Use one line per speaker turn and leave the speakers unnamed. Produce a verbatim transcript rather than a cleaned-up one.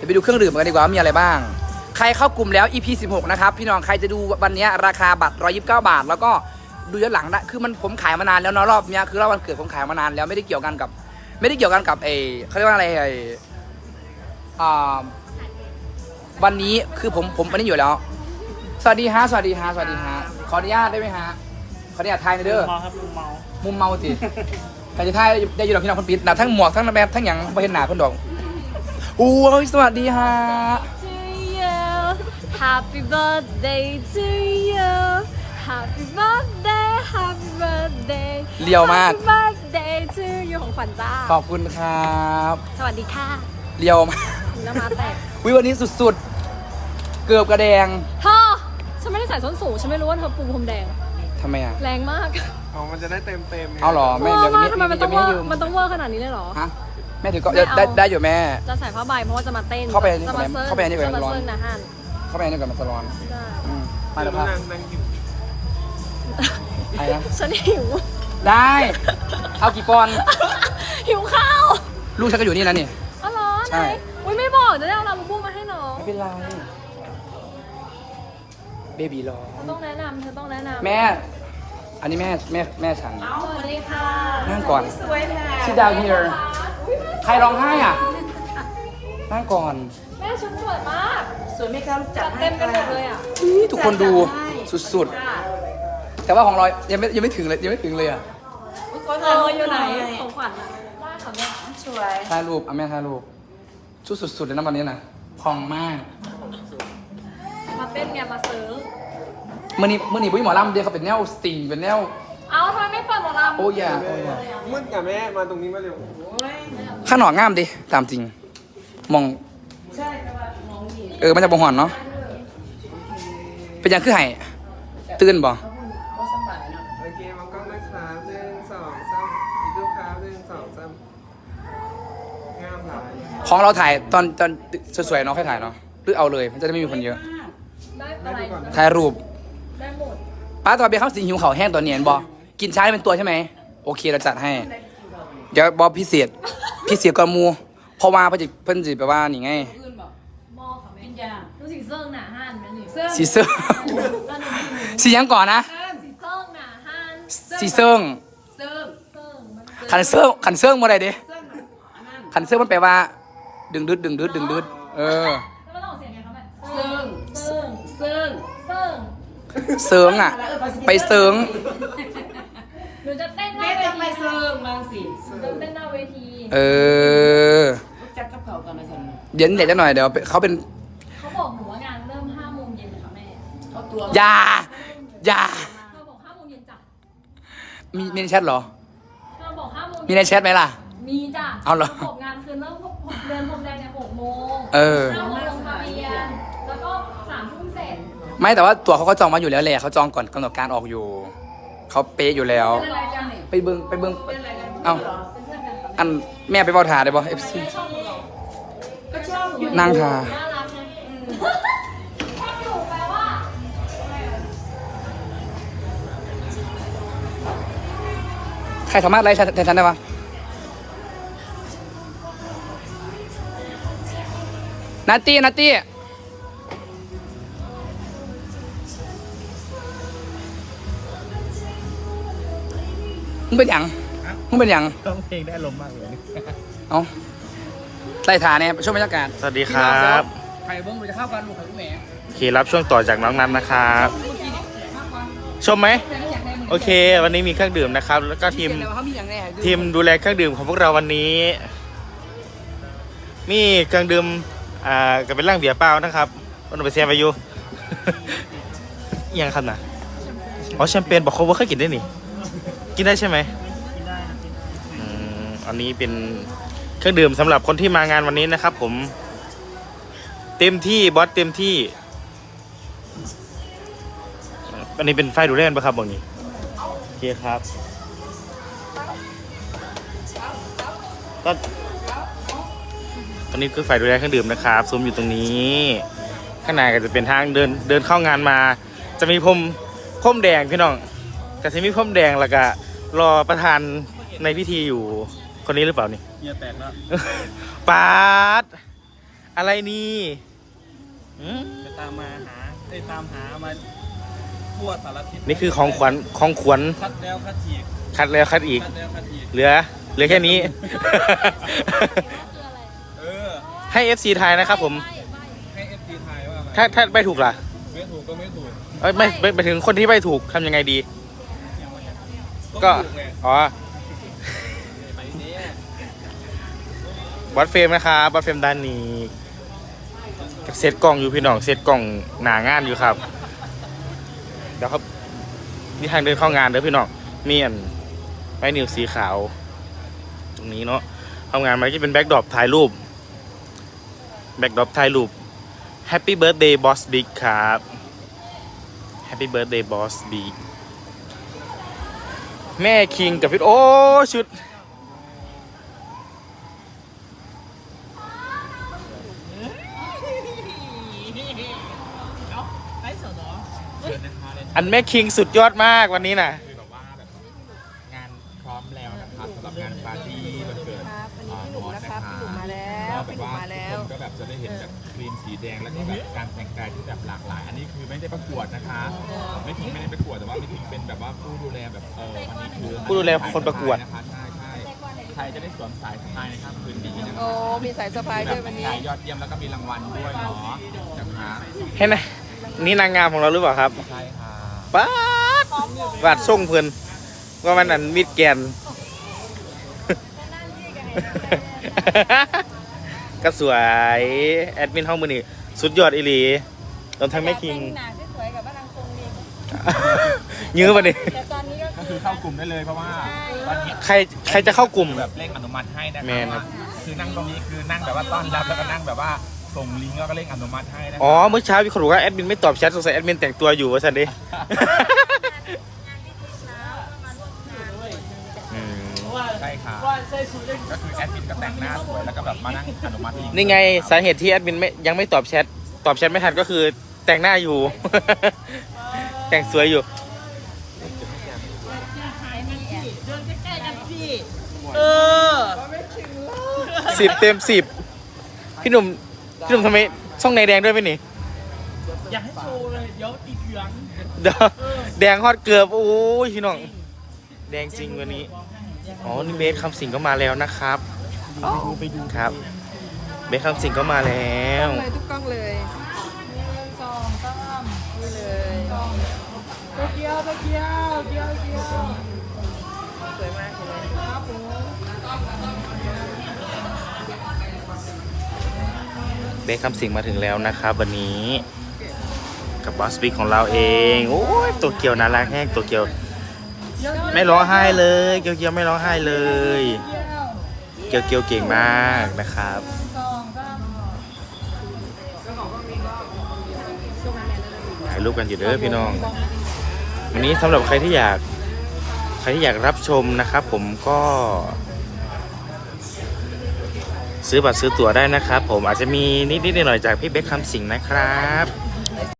เดี๋ยวไปดูเครื่องดื่มกันดีกว่าว่ามีอะไรบ้างใครเข้ากลุ่มแล้ว อี พี สิบหกนะครับพี่น้องใครจะดูวันนี้ราคาบัตรหนึ่งร้อยยี่สิบเก้าบาทแล้วก็ดูย้อนหลังได้คือมันผมขายมานานแล้วเนาะรอบนี้คือรอบวันเกิดผมขายมานานแล้วไม่ได้เกี่ยวกันกับไม่ได้เกี่ยวกันกับไอ้เขาเรียกว่าอะไรไอ้อ่าวันนี้คือผมผมวันนี้อยู่แล้วสวัสดีฮะสวัสดีฮะสวัสดีฮะขออนุญาตได้ไหมฮะขออนุญาตทายหน่อยเด้อ
มุมเมาครับมุมเมา
มุมเมาสิใครจะทายได้อยู่ดอกพี่น้องคนปิดนะทั้งหมวกทั้งแบบทั้งอย่างไม่เห็นหน้าคนดอกอู้สวัสดีฮะ
Happy birthday to you Happy birthday Happy birthday
เลียวมาก
Happy birthday to you ของขวัญจ้า
ขอบคุณครับ
สวัสดีค่ะ
เลียวมาก
น้ำมาแตก
วิวันนี้สุดๆเกือบกระแดง
เธอฉันไม่ได้ใส่ส้นสูงฉันไม่รู้ว่าเธอปูพรมแดง
ทำไมอ่ะ
แรงมาก
อ๋อมันจะได้เต็มเต็ม
เอาเหรอแม่
เวอ
เดี๋ยว
ร์
นี้
มากทำไมมันต้อง
จะ
เว
ไม่
อ
ให้ยื
ร์
ม
มันต้องเวอร์ขนาดนี้เลยเหรอ
ฮะแม่ถือก็
ไม่เอา
ได้ได้อยู่แม่
จะใส่ผ้าใบเพราะว่าจะมาเต้น
เข้าไปในนี้
จะมาเซิร์ฟ
เข้าไปในนี้ก่อน
จะมา
ร้อน
เซิร์ฟนะฮัน
เข้าไปนี่ก่อนมันจะร้อน
ได้
อืม
มา
มา
แล้
แล้ว วครับ
นางนางอยู่
อะไรนะ
ฉันหิว
ได้เอากี่ปอนด์
หิวข้าว
ลูกฉันก็อยู่นี่นะนี่
อ๋อเหรอ
ใช่
ไหนอุ้ยไม่บอกจะได้เอาลาบูบูมาให้น้อง
ไม่เป็นไรเบบีรอ
เธอต้องแนะนำเธอต้องแนะนำ
แม่ อันนี้แม่แม่แม่ฉัน
สวัสดีค่ะ
นั่งก่อน sit down here ใครร้องไห้อ่ะ นั่งก่อน
แม่ชุดสวยมาก
สวยไหมคะลูกจั
จั
ด
ด
ให้
เต็มกันหมดเลยอ่ะ
อุ๊ยทุกคนดูสุดๆ แต่ว่าของเรายังไม่ยังไม่ถึงเลยยังไม่ถึงเลยอ่ะ
เอออยู่ไหนของขวัญอะได้ค่ะแม่
สวย
ถ่ายรูปอ่ะแม่ถ่ายรูปชุดสุดๆเลยนะวันนี้นะพองมาก
มาเต้นเนี่ยมาซื้อ
เมื่อนี้เมื่อนี้ปุ้ยหมอลำเดียวเขาเป็นแนวสตริงเป็นแนว
เอาทำไมไม่เปิดหมอลำ
โอ้ยาโอ้ยา
มืดกับแม่มาตรงนี้มาเร็ว
ข้างหนอกงามดิตามจริง มอง
ใช่แต่ว่าน้องดี
เออมันจะบ่หอนเนาะเป็นยังคือไห้ตื่นบ่
เขาพูดว่าสบายเนาะ
โอเคมองกล้องนะครับหนึ่งสองสามอีกรูปครับหนึ่งสองสามงามหลาย
ของเราถ่ายตอนตอนสวยๆเนาะค่อยถ่ายเนาะหรือเอาเลยมันจะได้ไม่มีคนเยอะ
ได้อะไร
ถ่ายรูป
ได้หมด
ป้าตอนเบียร์ข้าวสีหิวเขาวแห้งตัวเนียนบอกกินช้าเป็นตัวใช่ไหมโอเคเราจัดให้ เดี๋ยวบอพิเศษพิเศษกว่าหมูเพราะว่าเพิ่นจะเพิ่นจะแปลว่านี่ไง
อื่นบอก
หม้อค่ะแม่
กินยา
ดูสีเซิงหนาห้านไหมนี่
เสื้อ
สีเซิง สีหยังก่อนนะ
สีเซิงหนาห้าน
สีเซิง
เสื้อ
เซิงมัน
ขันเซิงขันเซิงมาได้ดิ
เสื้อหนังอันนั้น
ขันเซิงมันแปลว่า ดึงดึดดึงดึดดึงดึดเออ
แล้วมันต้องออกเสียงไงคะแม่
เสื้อ
เซิง
เสื้อ
เซิง
เซิงอ่ะ ไปเซิง
หนูจะเต้นห
แม่
น้าเว
จะไป
ที
เสื้อมาสิ
หนูจะเต้นหน้าเวที
เออ
ลูกจัดกับเขาก่อนนะสัน
เดี๋ยวเดี๋ยวจะหน่อยเดี๋ยวเขาเป็น
เขาบอกหนูว่างานเริ่มห้าโมงเย็นค่ะแม่
เขาตัว
อยาอยา
เธอบอกห้าโมงเย็นจ้ะ
มีมีในแชทเหรอ
เธอบอกห้าโมง
มีในแชทไหมล่ะ
มีจ้ะ
เอาเหรอ
บอกงานคือเริ่มเดินพรมแดงในหกโมง
เออ
ห้าโมงลงทะเบียนแล้วก็สามทุ่มเสร็จ
ไม่แต่ว่าตั๋วเขาก็จองมาอยู่แล้วแหละเขาจองก่อนกำหนดการออกอยู่ เขาเป๊ะอยู่แล้ว
เป็นอะไรกันเนี่ย
ไปเบิ้งไปเบิ้ง
เป็นอะไรกัน
เอ้า
เป็นเพื่อนกันค่ะ
อันแม่ไปเฝ้าถาได้บ่เอฟซี
ไม่ชอบหนูหรอ
ก็ชอบอยู่
นั่งทา
น่ารักไงชอบอยู่แปลว่า
ใครสามารถไล่แทนฉันได้ปะนัตตี้นัตตี้มึงเป็นหยังมึงเป็นหยัง
ต้องเพลงได้ลมมากเลย
เอาไล่ถาเนี่ยช่วงบรรยากาศ
สวัสดีครับ
ใครเบิ้งเราจะเข้ากันลูกใครลูกแหม่
โอเครับช่วงต่อจากน้องนัทนะครับ ชมไหม โอเค วันนี้มีเครื่องดื่มนะครับ แล้วก็ทีม
แต่ว่าเขามีอย่างแน่
ทีมดูแลเครื่องดื่มของพวกเราวันนี้ มีเครื่องดื่มอ่าก็เป็นร่างเบียร์เปล่านะครับวันนี้ไปเซียไปอยู่ อิหยังครับนะอ๋อแชมเปญบอกเขาว่าเคยกินได้นี่ กินได้ใช่ไหมอืมอันนี้เป็นเครื่องดื่มสำหรับคนที่มางานวันนี้นะครับ ผม เต็มที่บอสเต็มที่ อันนี้เป็นไฟดูแลนปะครับบอกนี้โอเคครับก็ตอนนี้คือไฟดูแลเครื่องดื่มนะครับซุ้มอยู่ตรงนี้ข้างในก็จะเป็นทางเดินเดินเข้างานมา จะมีพรมพรมแดงพี่น้องก็จะมีพรมแดงแล้วก็รอประธานในพิธีอยู่คนนี้หรือเปล่านี่
เงียแตกแล้ว
ปาดอะไรนี่อืม
จะตามมาหาได้ตามหามาทั่วสารทิศ
นี่คือของขวัญของขวัญ
คัดแล้วคัดอีก
คัดแล้วคัดอีก
คัดแล้วคัดอีก
เหลือ เหลือแค่นี้
เออ
ให้ เอฟ ซี ทายนะครับผม
ให้เอฟซีทายว่าไง
ถ้าถ้าไม่ถูกล่ะ
ไม่ถูกก็ไม่ถูก
เอ้ยไม่ไม่ไปถึงคนที่ไม่ถูกทำยังไงดี ก็
ถูไง
อ๋อ
ไปเนี่ย
วัดเฟรมนะครับวัดเฟรมด้านนี้เซตกล้องอยู่พี่น้องเซตกล้องหนางานอยู่ครับเดี๋ยวครับนี่ทางเดินเข้างานเด้อพี่น้องมีอันไม้นิ้วสีขาว ตรงนี้เนาะเข้างานมันจะเป็นแบ็กดรอปถ่ายรูปแบ็กดรอปถ่ายรูป Happy Birthday Boss Big ครับ Happy Birthday Boss Big แม่คิงกับพี่โอ้ชุดอันแม่คิงสุดยอดมากวันนี้น่ะ
คือแบบว่าแบบงานพร้อมแล้วนะครับสำหรับงานปาร์ตี้วันเกิดอ่าโน้ตนะคะ
มาแล้ว
ก็แบบว่าทุกคนก็แบบจะได้เห็นแบบครีมสีแดงแล้วก็แบบการแต่งกายที่แบบหลากหลาย อันนี้คือไม่ได้ประกวดนะคะไม่ทิ้งไม่ได้ประกวดแต่ว่าไม่ทิ้งเป็นแบบว่าผู้ดูแลแบบเออวันนี้คือ
ผู้ดูแลคนประกวด
นะคะใช่ใช่ใครจะได้สวมสายสะพายในค่ำคืนนี้นะคะ
โอ้มีสายสะพายด้วยวันนี้
แบบแต่งกายยอดเยี่ยมแล้วก็มีรางวัลด้วยเนาะนะคะ
เห็นไหมนี่นางงามของเราหรือเปล่าครับ
ใช่ค่ะ
ป้าดวาดส่งเพื่อนว่ามันอันมิดแกน ก็สวยแอดมินห้องมือนี่สุดยอดอีหลีตอนทั้งแม่คิง
หนาสวยๆกับบ้านนางคงดี
ยื้อมาดิ
แต่ตอนนี้ก็
ก็คือเข้ากลุ่มได้เลยเพราะว่าตอนนี้
ใครใครจะเข้ากลุ่ม
แบบเร่งอนุมัติให้นะ
แมนครับ
คือนั่งตรงนี้คือนั่งแบบว่าต้อนรับแล้วก็นั่งแบบว่าส่งลิงก์แล้วก็เร่งอนุมัติให้นะ
อ๋อเมื่อเช้ามีคนบอกว่าแอดมินไม่ตอบแชทสงสัยแอดมินแต่งตัวอยู่วะสันดิ อืม
ใช่ค่ะก็คือแอดมินก็แต่งหน้าสวยแล้วก็แบบมานั่งอนุมัติลิงก์
นี่ไงสาเหตุที่แอดมินไม่ยังไม่ตอบแชทตอบแชทไม่ทันก็คือแต่งหน้าอยู่ แต่งสวยอยู่
เออ
สิบเต็มสิบพี่หนุ่มพี่หนุ่มทำไมช่องในแดงด้วยไหมนี่
อยากให้โชว์เลยเดี๋ยวติดเหลือง
เดี๋ยวแดงฮอตเกือบโอ้ยพี่น้องแดงจริงวันนี้อ๋อนี่เบสคำสิงก็มาแล้วนะครับไปดูครับเบสคำสิงก็มาแล้ว
เลยทุกกล้องเลยสองกล้องนี่เลยโตเกียวโตเกียวเกียวเกียวสวยมากเลยครับผม
เบสคำสิงมาถึงแล้วนะครับวันนี้กับบอสบิ๊กของเราเองโอ้ยตัวเกียวน่ารักแห้งตัวเกียวไม่ร้องไห้เลยเกียวเกียวไม่ร้องไห้เลยเกียวเกียวเก่งมากนะครับถ่ายรูปกันอยู่เด้อพี่น้องวันนี้สำหรับใครที่อยากใครที่อยากรับชมนะครับผมก็ซื้อบัตรซื้อตั๋วได้นะครับผมอาจจะมีนิดๆหน่อยๆจากพี่เบคคำสิงห์นะครับ